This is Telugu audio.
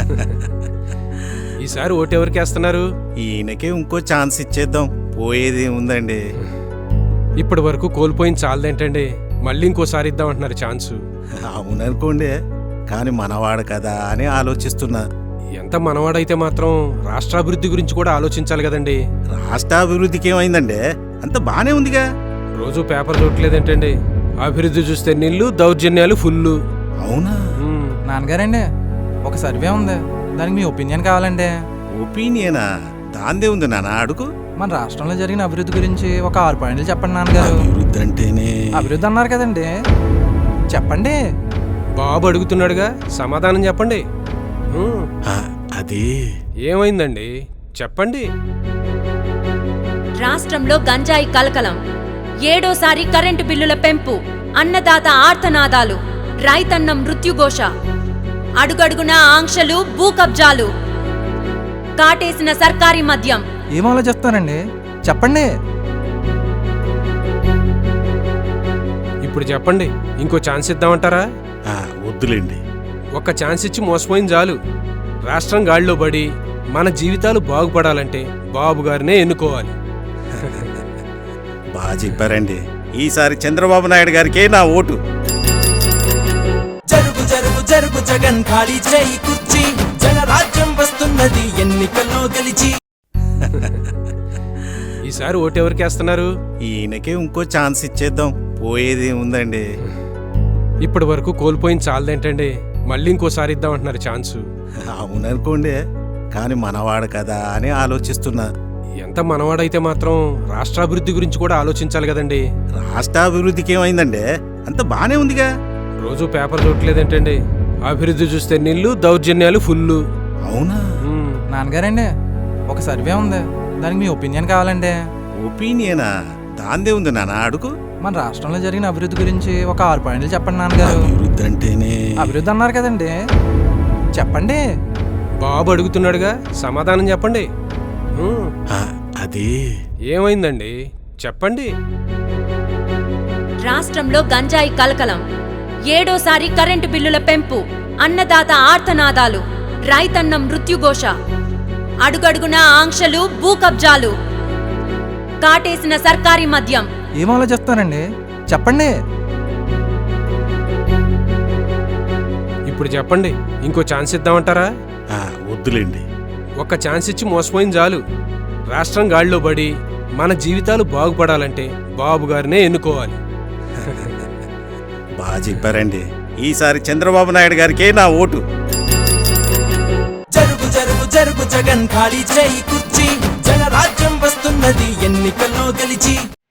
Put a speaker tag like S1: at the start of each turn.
S1: ఈసారి ఓటెవరికి వేస్తున్నారు?
S2: ఈయనకే ఇంకో ఛాన్స్ ఇచ్చేద్దాం, పోయేది ఉందండి.
S1: ఇప్పటి వరకు కోల్పోయింది చాలదేంటండి, మళ్ళీ ఇంకోసారి ఇద్దామంటున్నారు ఛాన్సు.
S2: అవుననుకోండి, కానీ మనవాడు కదా అని ఆలోచిస్తున్నా.
S1: ఎంత మనవాడైతే మాత్రం రాష్ట్రాభివృద్ధి గురించి కూడా ఆలోచించాలి కదండి.
S2: రాష్ట్రాభివృద్ధికి ఏమైందండి, అంత బానే ఉందిగా.
S1: రోజు పేపర్ చూడలేదేంటండి, అభివృద్ధి చూస్తే నీళ్లు, దౌర్జన్యాలు ఫుల్లు.
S2: అవునా?
S3: నాన్నగారండి, ఒక సర్వే ఉంది, దానికి మీ ఒపీనియన్ కావాలండి.
S2: ఒపీనియనా? దాందే ఉంది నాన్న, అడుగు.
S3: మన రాష్ట్రంలో జరిగిన అభివృద్ధి గురించి ఒక 6 పాయింట్లు చెప్పండి నాన్నగారు.
S2: అభివృద్ధి అంటేనే
S3: అభివృద్ధి అన్నారు కదండి, చెప్పండి.
S1: బాబు అడుగుతున్నాడుగా, సమాధానం చెప్పండి.
S2: అది
S1: ఏమైందండి చెప్పండి.
S4: రాష్ట్రంలో గంజాయి కలకలం, 7వ కరెంటు బిల్లుల పెంపు, అన్నదాత ఆర్తనాదాలు, రైతన్నం మృత్యుఘోష, అడుగడుగున ఆంక్షలు, భూ కబ్జాలు, కాటేసిన సర్కారీ మద్యం.
S3: ఏం ఆలోచిస్తానండి, చెప్పండి.
S1: ఇప్పుడు చెప్పండి, ఇంకో ఛాన్స్ ఇద్దామంటారా?
S2: వద్దులేండి.
S1: ఒక్క ఛాన్స్ ఇచ్చి మోసపోయింది చాలు. రాష్ట్రం గాడిలో పడి మన జీవితాలు బాగుపడాలంటే బాబు గారినే ఎన్నుకోవాలి.
S2: బాగా చెప్పారండి. ఈసారి చంద్రబాబు నాయుడు గారికే నా ఓటు.
S5: జరుగు జరుగు జరుగు జగన్ ఖాళీ చేయి కుర్చీ, జనరాజ్యం వస్తున్నది ఎన్నికల్లో గెలిచి.
S1: ఈసారి ఓటెవరికి వేస్తున్నారు?
S2: ఈయనకే ఇంకో ఛాన్స్ ఇచ్చేద్దాం, పోయేది ఉందండి.
S1: ఇప్పటి వరకు కోల్పోయింది చాలదేంటండి, మళ్ళీ ఇంకోసారి ఇద్దామంటున్నారు ఛాన్సు.
S2: అవుననుకోండి, కానీ మనవాడు కదా అని ఆలోచిస్తున్నా.
S1: ఎంత మనవాడైతే మాత్రం రాష్ట్రాభివృద్ధి గురించి కూడా ఆలోచించాలి కదండి.
S2: రాష్ట్రాభివృద్ధికి ఏమైందండి, అంత బానే ఉందిగా.
S1: రోజు పేపర్ చూడలేదేంటండి, అభివృద్ధి చూస్తే నీళ్లు, దౌర్జన్యాలు ఫుల్లు.
S2: అవునా?
S3: నాన్నగారండి, ఒక సర్వే ఉంది, దానికి మీ ఒపీనియన్ కావాలండి.
S2: ఒపీనియనా? దాందే ఉంది నాన్న, అడుగు.
S3: మన రాష్ట్రంలో జరిగిన అభివృద్ధి గురించి ఒక 6 పాయింట్లు చెప్పండి నాన్నగారు.
S2: అభివృద్ధి అంటేనే
S3: అభివృద్ధి అన్నారు కదండి, చెప్పండి.
S1: బాబు అడుగుతున్నాడుగా, సమాధానం చెప్పండి.
S2: అది
S1: ఏమైందండి చెప్పండి.
S4: రాష్ట్రంలో గంజాయి కలకలం, 7వ కరెంటు బిల్లుల పెంపు, అన్నదాత ఆర్తనాదాలు, రైతన్నం మృత్యుఘోష, అడుగడుగున ఆంక్షలు, భూ కబ్జాలు, కాటేసిన సర్కారీ మద్యం.
S3: ఏం ఆలోచిస్తానండి, చెప్పండి.
S1: ఇప్పుడు చెప్పండి, ఇంకో ఛాన్స్ ఇద్దామంటారా?
S2: వద్దులేండి.
S1: ఒక్క ఛాన్స్ ఇచ్చి మోసపోయింది చాలు. రాష్ట్రం గాడిలో పడి మన జీవితాలు బాగుపడాలంటే బాబు గారినే ఎన్నుకోవాలి.
S2: బాగా చెప్పారండి. ఈసారి చంద్రబాబు నాయుడు గారికే నా ఓటు.
S5: జరుగు జరుగు జరుగు జగన్ ఖాళీ చేయి కుర్చీ, జనరాజ్యం వస్తున్నది ఎన్నికల్లో గెలిచి.